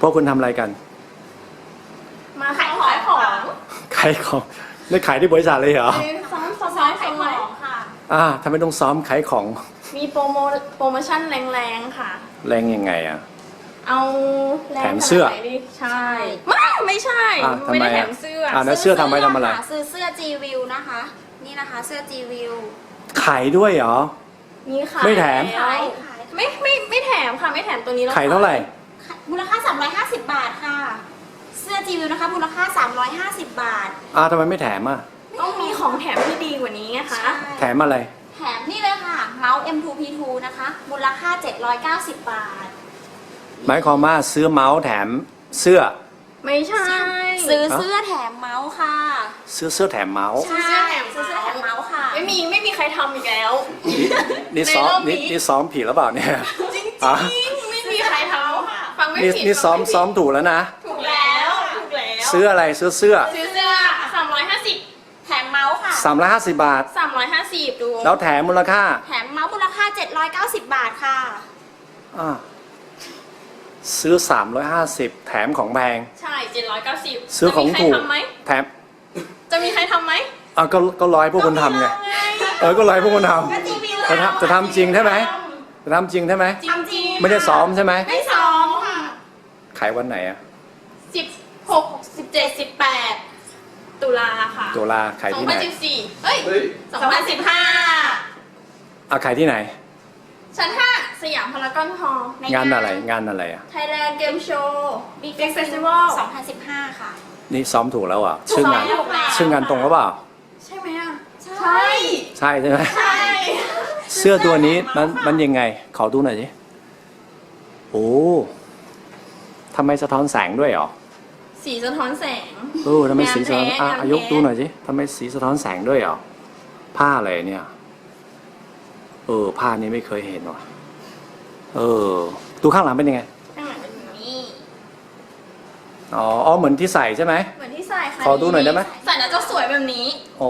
วกคุณทำอะไรกันมาขายของขายของไม่ขายที่บริษัทเลยเหรอซ้อมขายของค่ะทำไมต้องซ้อมขายของมีโปรโมชั่นแรงๆค่ะแรงยังไงอ่ะเอาแถมเสื้อใช่ไม่ใช่ไม่ได้แถมเสื้อแล้วเสื้อทำไมทำอะไรซื้อเสื้อ G-View นะคะนี่นะคะเสื้อ G-View ขายด้วยเหรอมีขายไม่แถมไม่แถมค่ะไม่แถมตัวนี้ขายเท่าไหร่มูลค่า350 บาทค่ะเสื้อ G-View นะคะมูลค่า350 บาททำไมไม่แถมอ่ะต้องมีของแถมที่ดีกว่านี้ไงคะแถมอะไรแถมนี่เลยค่ะเมาส์ M2P2 นะคะมูลค่า790 บาทหมายความว่าซื้อเมาส์แถมเสื้อไม่ใช่ซื้อเสื้อแถมเมาส์ค่ะซื้อเสื้อแถมเมาส์ใช่ซื้อเสื้อแถมเมาส์ค่ะไม่มีใครทำอีกแล้วนี่ซ้อมผิดหรือเปล่าเนี่ยจริงๆไม่มีใครทำค่ะฟังไม่ผิดนี่ซ้อมถูกแล้วนะถูกแล้วซื้ออะไรซื้อเสื้อ 350 แถมเมาส์ค่ะ 350 บาท 350ดูแล้วแถมมูลค่าแถมเมาส์มูลค่า790 บาทค่ะซื้อ350แถมของแพงใช่790 ซื้อของถูกแถมจะมีใครทำไหมก็ร้อยพวกคุณทำไงก็ร้อยพวกคุณทำจะทำจริงใช่ไหมจะทำจริงใช่ไหมจริงไม่ได้ซ้อมใช่ไหมไม่ซ้อมค่ะขายวันไหนอะ 16 17 18ตุลาค่ะตุลาขายที่ไหน 2014เฮ้ย2015 ขายที่ไหนชั้น5สยามพารากอนฮอลล์งานอะไรอะ Thailand Game Show Big Festival 2015ค่ะนี่ซ้อมถูกแล้วอ่ะชื่องานตรงหรือเปล่าใช่ไหมอ่ะใช่ใช่ไหมใช่เสื้อตัวนี้มันยังไงขอดูหน่อยสิโอ้ทำไมสะท้อนแสงด้วยหรอสีสะท้อนแสงทำไมสีสะท้อนยกดูหน่อยสิทำไมสีสะท้อนแสงด้วยหรอผ้าอะไรเนี่ยผ้านี้ไม่เคยเห็นว่ะดูข้างหลังเป็นยังไงข้างหลังเป็นแบบนี้เหมือนที่ใส่ใช่ไหมเหมือนที่ใส่ค่ะขอดูหน่อยได้ไหมใส่แล้วจะสวยแบบนี้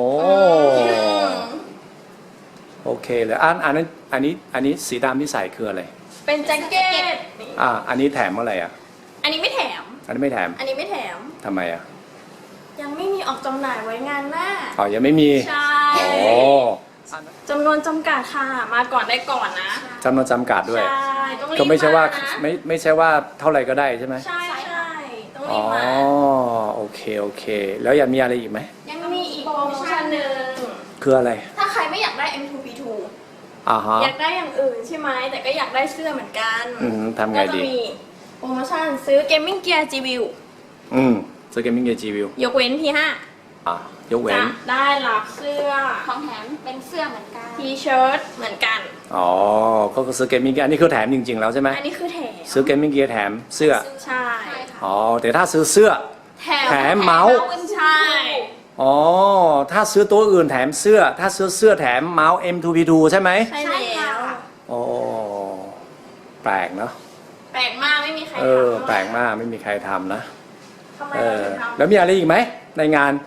โอเคเลยอันนี้สีดำที่ใส่คืออะไรเป็นแจ็คเก็ตอันนี้แถมอะไรอ่ะอันนี้ไม่แถมอันนี้ไม่แถมทำไมอ่ะยังไม่มีออกจำหน่ายไว้งานหน้ายังไม่มีใช่จำนวนจำกัดค่ะมาก่อนได้ก่อนนะจำนวนจำกัดด้วยก็ไม่ใช่ว่าไม่ใช่ว่าเท่าไหร่ก็ได้ใช่ไหมใช่ต้องรีบมาโอเคแล้วยังมีอะไรอีกไหมยังมีอีกโปรโมชั่นหนึ่งคืออะไรถ้าใครไม่อยากได้ M2P2 อยากได้อย่างอื่นใช่ไหมแต่ก็อยากได้เสื้อเหมือนกันทำไงดีก็จะมีโปรโมชั่นซื้อ Gaming Gear G-View ซื้อ Gaming Gear G-View ยกเว้น P5 ยกเว้นได้รับเสื้อของแถมเป็นเสื้อเหมือนกันทีเชิ้ตเหมือนกันก็ซื้อ Gaming Gear อันนี้คือแถมจริงๆแล้วใช่ไหมอันนี้คือแถมซื้อ Gaming Gear แถมเสื้อใช่แต่ถ้าซื้อเสื้อแถมเมาส์ใช่ถ้าซื้อตัวอื่นแถมเสื้อถ้าซื้อเสื้อแถมเมาส์ M2P2 ใช่ไหมใช่แล้วแปลกเนาะแปลกมากไม่มีใครทำแปลกมากไม่มีใครทำนะทำไมเราถึงทำแล้วมีอะไรอีกไหมในงาน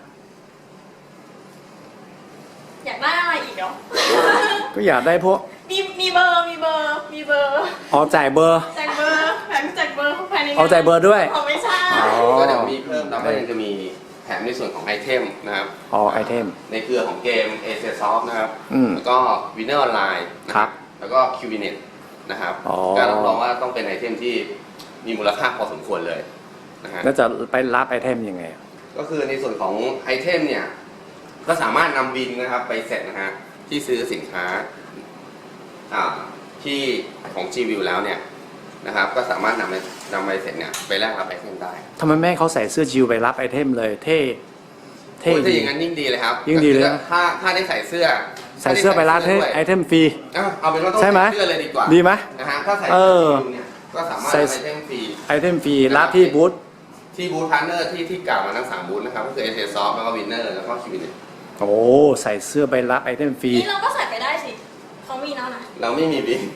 อยากได้อะไรอีกเหรอก็อยากได้พวกมีเบอร์จ่ายเบอร์แถมจ่ายเบอร์ภายในจ่ายเบอร์ด้วยไม่ใช่ก็เดี๋ยวมีเพิ่มแล้วก็ยังจะมีแถมในส่วนของไอเทมนะครับไอเทมในเครือของเกม Acer Soft นะครับแล้วก็ Winner Online นะครับแล้วก็ QVNet นะครับการรับรองว่าต้องเป็นไอเทมที่มีมูลค่าพอสมควรเลยนะฮะแล้วจะไปรับไอเทมยังไงก็คือในส่วนของไอเทมเนี่ยก็สามารถนำบินนะครับไปเสร็จนะฮะที่ซื้อสินค้าที่ของ G-View แล้วเนี่ยนะครับก็สามารถนำไปเสร็จเนี่ยไปแลกรับไอเทมได้ทำไมแม่เขาใส่เสื้อจิวไปรับไอเทมเลยเท่ถ้าอย่างนั้นยิ่งดีเลยครับยิ่งดีเลยถ้าได้ใส่เสื้อไปรับไอเทมฟรีเอาเป็นว่าต้องใส่เสื้อเลยดีกว่าดีไหมนะฮะถ้าใส่เสื้อเนี่ยก็สามารถไอเทมฟรีรับที่บูธพาร์ทเนอร์ที่กล่าวมาทั้ง3บูธนะครับก็คือ Acer Soft แล้วก็ Winner แล้วก็ QVNet ใส่เสื้อไปรับไอเทมฟรีนี่เราก็ใส่ไปได้สิเขามีแล้วนะเราไม่มีบิน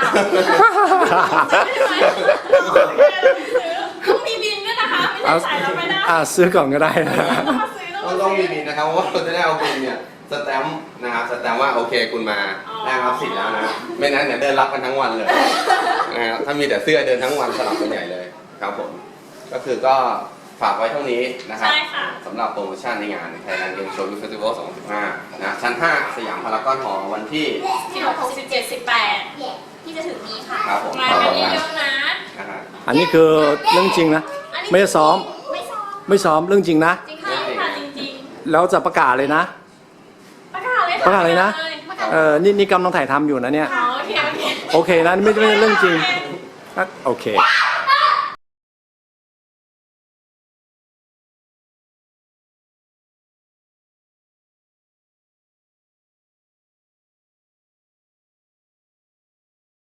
ต้องมีบินด้วยนะคะไม่ได้ใส่เราไม่ได้ซื้อก่อนก็ได้นะต้องมีบินนะครับเพราะว่าเราจะได้เอาบินเนี่ยสแตมป์นะครับสแตมป์ว่าโอเคคุณมาแลกรับสิทธิ์แล้วนะไม่นั้นเนี่ยเดินรับกันทั้งวันเลยนะถ้ามีแต่เสื้อเดินทั้งวันสลับกันใหญ่เลยครับผมก็คือก็ฝากไว้เท่านี้นะครับใช่ค่ะสำหรับโปรโมชั่นในงาน Thailand Game Show Youth Festival 2015 นะชั้น 5 สยามพารากอนหอวันที่ 16 17 18 ที่จะถึงนี้ค่ะครับผมมากันเยอะๆนะนะฮะอันนี้คือเรื่องจริงนะ ไม่ได้ซ้อมไม่ซ้อมไม่ซ้อมเรื่องจริงนะจริงค่ะค่ะจริงแล้วจะประกาศเลยนะๆประกาศเลยค่ะประกาศเลยนะประกาศนี่กำลังถ่ายทำอยู่นะเนี่ยอ๋อโอเคโอเคนะไม่ใช่เรื่องจริงอ่ะโอเค